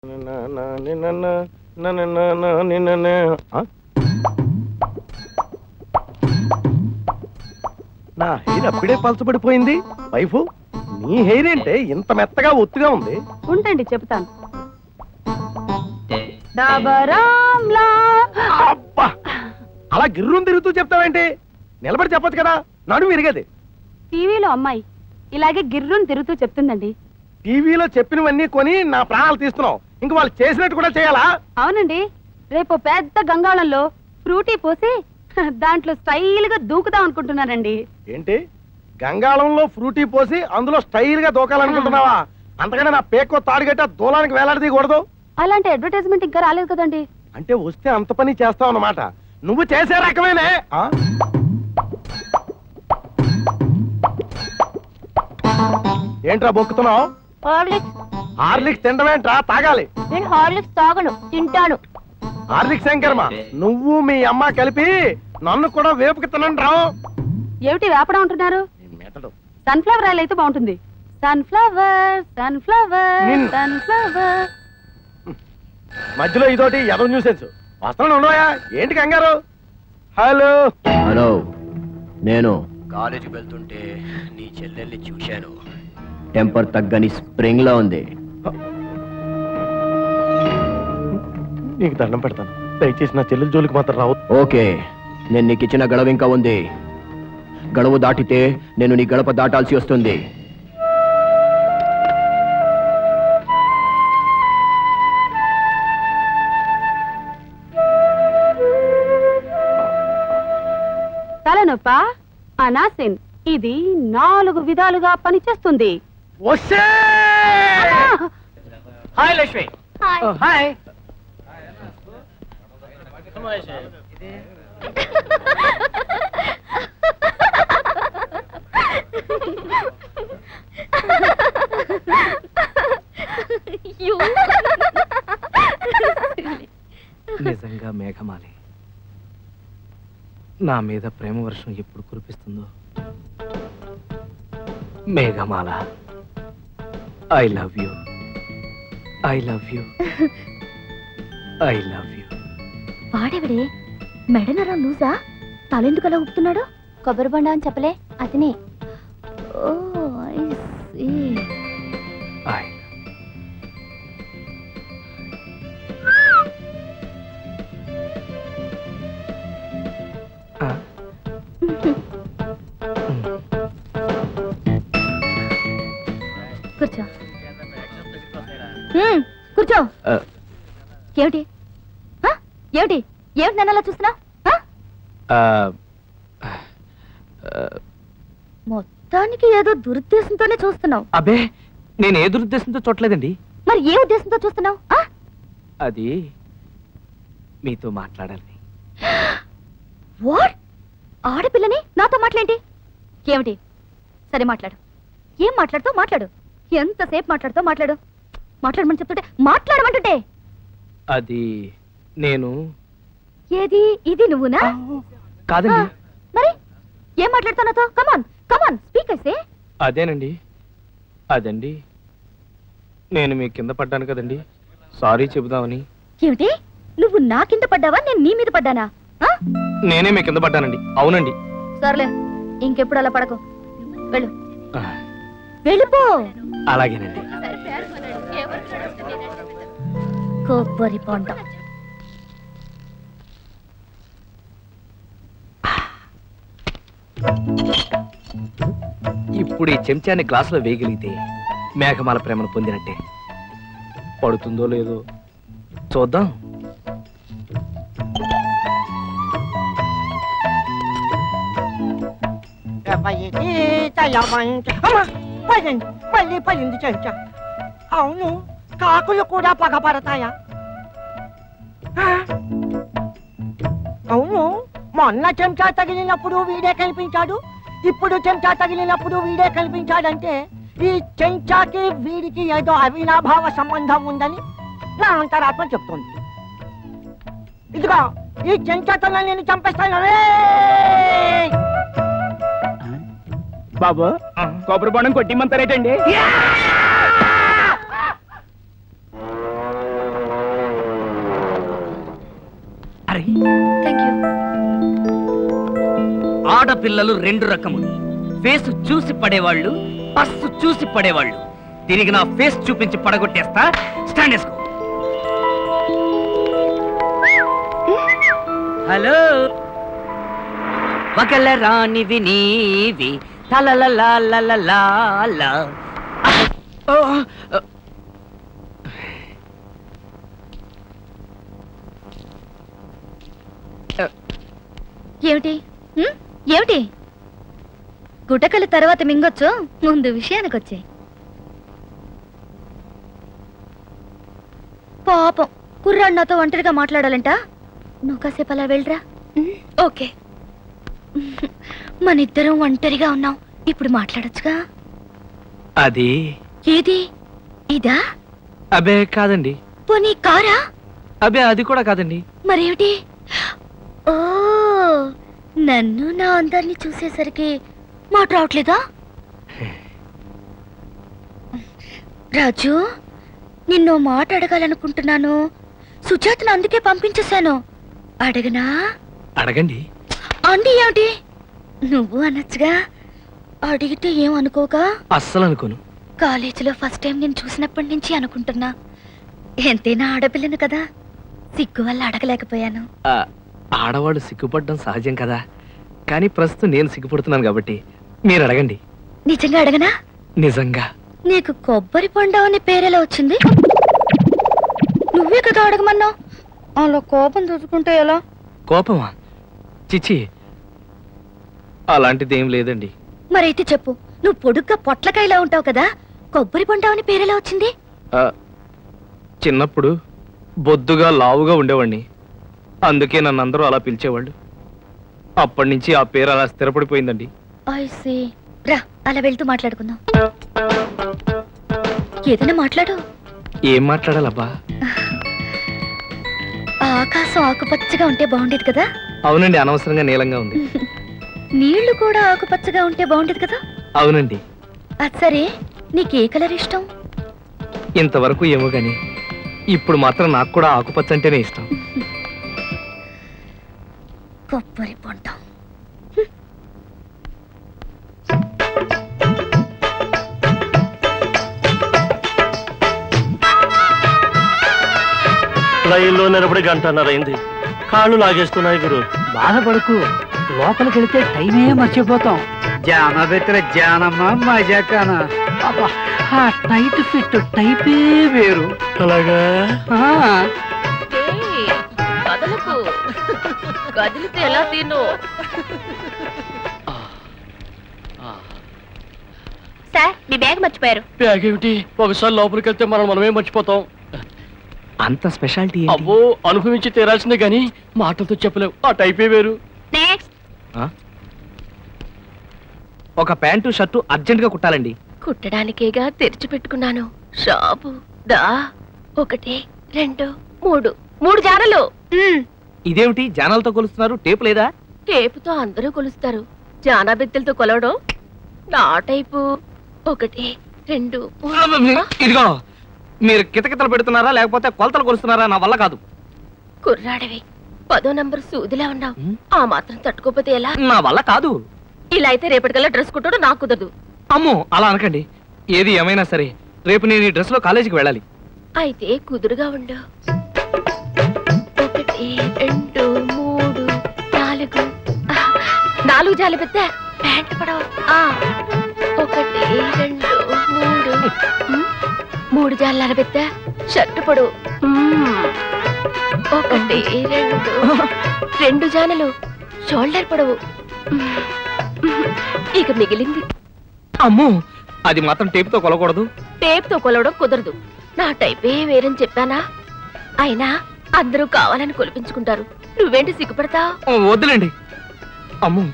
నా హెయిర్ అప్పుడే పలచబడిపోయింది. వైఫ్, నీ హెయిర్ ఏంటే ఇంత మెత్తగా ఒత్తుగా ఉంది? ఉంటండి చెప్తాను. అబ్బా, అలా గిర్రం తిరుగుతూ చెప్తావేంటి? నిలబడి చెప్పొచ్చు కదా, నడుము విరిగేది. టీవీలో అమ్మాయి ఇలాగే గిర్రుని తిరుగుతూ చెప్తుందండి. టీవీలో చెప్పినవన్నీ కొని నా ప్రాణాలు తీస్తున్నావు, ఇంక వాళ్ళు చేసినట్టు కూడా చేయాలా? అవునండి, రేపు పెద్ద గంగాళంలో ఫ్రూటీ పోసి దాంట్లో స్టైల్ గా దూకుదాం అనుకుంటున్నానండి. ఏంటి, గంగాళంలో ఫ్రూటీ పోసి అందులో స్టైల్ గా దూకాలనుకుంటున్నావా? అంతకన్నా నా పేకో తాడుగట్ట దూలానికి వేలాడదీయకూడదు. అలాంటి అడ్వర్టైజ్మెంట్ ఇంకా రాలేదు కదండి. అంటే వస్తే అంత పని చేస్తావు అన్నమాట. నువ్వు చేసే రకమేనే. ఏంట్రా బొక్కుతున్నావు? హార్లిక్స్ తింటమేంట్రా? తాగాలి. నేను హార్లిక్స్ తాగను, తింటాను. హార్లిక్స్ శంకర్మ, నువ్వు మీ అమ్మ కలిపి నన్ను కూడా వేపుకి తినండి రావు. ఏమిటి వేపడం అంటున్నారు? సన్ఫ్లవర్ ఆయిల్ అయితే బాగుంటుంది. Sunflower sunflower sunflower. మధ్యలో ఇదోటి ఎదో న్యూసెన్స్. వస్త్రం ఉండవా? ఏంటి కంగారు? హలో హలో, నేను కాలేజీకి వెళ్తుంటే నీ చెల్లెల్ని చూశాను. టెంపర్ తగ్గని స్ప్రింగ్ లా ఉంది. నీకు దండం పెడతాను, దయచేసి నా చెల్లెల జోలికి మాత్రం రావు. ఓకే, నేను నీకు ఇచ్చిన గడువు ఇంకా ఉంది. గడువు దాటితే నేను నీ గడప దాటాల్సి వస్తుంది. తలనొప్ప, అనాసిన్, ఇది 4 విధాలుగా పనిచేస్తుంది. హాయ్ లక్ష్మి. హాయ్. నిజంగా మేఘమాలి నా మీద ప్రేమ వర్షం ఎప్పుడు కురిపిస్తుందో. Meghamala, I love you, I love you, I love you. వాడెవడే? మెడనరా లూజా? తలెందుకు అలా ఊపుతున్నాడు? కొబ్బరి బండ అని చెప్పలే, అతనే. ఓ ఐ సీ. ఐ కూర్చో. కూర్చో. ఏమిటి ఏమిటి ఏమిటి నన్ను అలా చూస్తున్నావు? మొత్తానికి ఏదో దురుద్దేశంతోనే చూస్తున్నావు. అబే, నేను ఏ దురుద్దేశంతో చూడలేదండి. మరి ఏ ఉద్దేశంతో చూస్తున్నావు? అది మీతో మాట్లాడాలి. వాట్? ఆడపిల్లని నాతో మాట్లాడేంటి? ఏమిటి? సరే మాట్లాడు. ఏం మాట్లాడుతావు? మాట్లాడు. ఎంతసేపు మాట్లాడుతావు? మాట్లాడు. మాట్లాడమని చెప్తుంటే మాట్లాడమంటుంటే. అది నేను. ఏది? ఇది నువ్వునా? కాదండి. మరి ఏం మాట్లాడుతావు నాతో? కమాన్ కమాన్ స్పీక్ అయితే. అదేనండి, అదండి, నేను మీ కింద పడ్డాను కదండి, సారీ చెబుదామని. ఏమిటి? నువ్వు నా కింద పడ్డావా? నేను నీ మీద పడ్డానా? నేనే మీ కింద పడ్డానండి. అవునండి. సర్లే, ఇంకెప్పుడు అలా పడకు. వెళ్ళు. వెళ్ళిపో. అలాగేనండి. కొబ్బరి బొండ. ఇప్పుడు ఈ చెంచాన్ని గ్లాసులో వేయగలిగితే మేఘమాల ప్రేమను పొందినట్టే. పడుతుందో లేదో చూద్దాం. పడింది చెంచా. అవును, కాకులు కూడా పగపడతాయా? అవును, మొన్న చెంచా తగిలినప్పుడు వీడే కనిపించాడు, ఇప్పుడు చెంచా తగిలినప్పుడు వీడే కనిపించాడంటే ఈ చెంచాకి వీడికి ఏదో అవినాభావ సంబంధం ఉందని నా అంతరాత్మ చెప్తుంది. ఇదిగో ఈ చెంచాతో నేను చంపేస్తాను. బాబు, కొబ్బరి బొండం కొట్టిమంటారేటండి? ఆడపిల్లలు రెండు రకములు. ఫేస్ చూసి పడేవాళ్ళు, పస్సు చూసి పడేవాళ్ళు. తిరిగి నా ఫేస్ చూపించి పడగొట్టేస్తా. స్టాండ్ వేసుకో. హలో, ఒకళ్ళ రానివి నీవి తలలలా. ఏమిటి ఏమిటి గుటకల తర్వాత మింగొచ్చు, ముందు విషయానికి వచ్చాయి. పాపం కుర్రాడు నాతో ఒంటరిగా మాట్లాడాలంట. నువ్వు కాసేపు అలా వెళ్ళరా. ఓకే. మన ఇద్దరం ఒంటరిగా ఉన్నాం, ఇప్పుడు మాట్లాడొచ్చుగా. అది ఏది? ఇదా? అబే కాదండి. పోనీ కారా? అబే అది కూడా కాదండి. మరేమిటి? ఓ, నన్ను నా అందరిని చూసేసరికి మాట రావట్లేదా? రాజు, నిన్నో మాట అడగాలనుకుంటున్నాను. సుజాతను అందుకే పంపించేశాను. అడగనా? అడగండి. అండి ఏమిటి? నువ్వు అనొచ్చుగా. అడిగితే ఏం అనుకోగా? అస్సలు అనుకోను. కాలేజీలో ఫస్ట్ టైం నేను చూసినప్పటి నుంచి అనుకుంటున్నా. ఎంతైనా ఆడపిల్లను కదా, సిగ్గు వల్ల అడగలేకపోయాను. ఆడవాళ్ళు సిగ్గుపడడం సహజం కదా, కానీ ప్రస్తుతం నేను సిగ్గుపడుతున్నాను కాబట్టి మీరు అడగండి. నిజంగా అడగనా? నిజంగా. నీకు కొబ్బరి బొండం అనే పేరెలా వచ్చింది? నువ్వే కదా అడగమన్నావు. అలా కోపం చూసుకుంటే ఎలా? కోపమా? చిచి, అలాంటిది ఏం లేదండి. మరైతే చెప్పు, నువ్వు పొడుగ్గా పొట్లకాయలా ఉంటావు కదా, కొబ్బరి బొండం అనే పేరెలా వచ్చింది? చిన్నప్పుడు బొద్దుగా లావుగా ఉండేవాడిని, అందుకే నన్ను అందరూ అలా పిలిచేవాళ్ళు. అప్పటి నుంచి ఆ పేరు అలా స్థిరపడిపోయిందండి. I see. రా, అలా వెళ్తూ మాట్లాడుకుందాం. ఏదైనా మాట్లాడు. ఏం మాట్లాడాలబ్బా? ఆకాశం ఆకుపచ్చగా ఉంటే బాగుండేది కదా. అవునండి, అనవసరంగా నీలంగా ఉంది. నీళ్లు కూడా ఆకుపచ్చగా ఉంటే బాగుండేది కదా. అవునండి. అది సరే, నీకే కలర్ ఇష్టం? ఇంతవరకు ఏమో గాని ఇప్పుడు మాత్రం నాకు కూడా ఆకుపచ్చ అంటేనే ఇష్టం. కొబ్బరి బొండం. లైన్లో నిలబడి గంటన్నరైంది. కాళ్ళు లాగేస్తున్నాయి గురు. బాధపడుకు, లోపలికి వెళితే టైమే మర్చిపోతాం. జానబెత్తర జానమ్మ మజాకానా. అబ్బా, ఆ టైట్ ఫిట్ టైపే వేరు. అలాగా? కదిలితే ఎలా తిను? సార్, మీ బ్యాగ్ మర్చిపోయారు. బ్యాగ్ ఏమిటి? ఒకసారి లోపలికి వెళ్తే మనమే మర్చిపోతాం. అంత స్పెషాలిటీ అవ్వో, అనుభవించి తీరాల్సిందే గాని మాటలతో చెప్పలేవు. ఆ టైపే వేరు. నెక్స్ట్. ఒక ప్యాంటు షర్టు అర్జెంట్ గా కుట్టాలండి. కుట్టడానికేగా తెరిచి పెట్టుకున్నాను షాపు. దా, 1 2 3 3 జానలు. ఇదేమిటి జానాలతో కొలుస్తున్నారు? టేపు లేదా? టేపుతో అందరూ కొలుస్తారు, జానా బెత్తెలతో కొలవడం నా టైపు. 1 2 3. ఇదిగో, మీరు కితకితలు పెడుతున్నారా లేకపోతే కొలతలు కొలుస్తున్నారా? నా వల్ల కాదు. కుర్రాడివి, 10వ నంబర్ సూదిలా ఉన్నావు. ఆ మాత్రం తట్టుకోపోతే ఎలా? నా వల్ల కాదు. ఇలా అయితే రేపటికల్లా డ్రెస్ కుట్టడం నాకు కుదరదు. అమ్మో, అలా అనకండి. ఏది ఏమైనా సరే రేపు నేను ఈ డ్రెస్ లో కాలేజీకి వెళ్ళాలి. అయితే కుదురుగా ఉండు. 1 2 3 4. 4 జాలి పెద్ద ప్యాంట్ పడవ. 1 2 3. 3 జాల పెద్ద షర్టు పొడవు. 1 2 జానలు షోల్డర్ పొడవు. ఇక మిగిలింది. అమ్మో, అది మాత్రం టేపుతో కొలకూడదు. టేప్తో కొలవడం కుదరదు. నా టైపే వేరని చెప్పానా? అయినా అందరూ కావాలని కొలిపించుకుంటారు, నువ్వేంటి సిగ్గుపడతావు? వద్దులేండి. అమ్మో,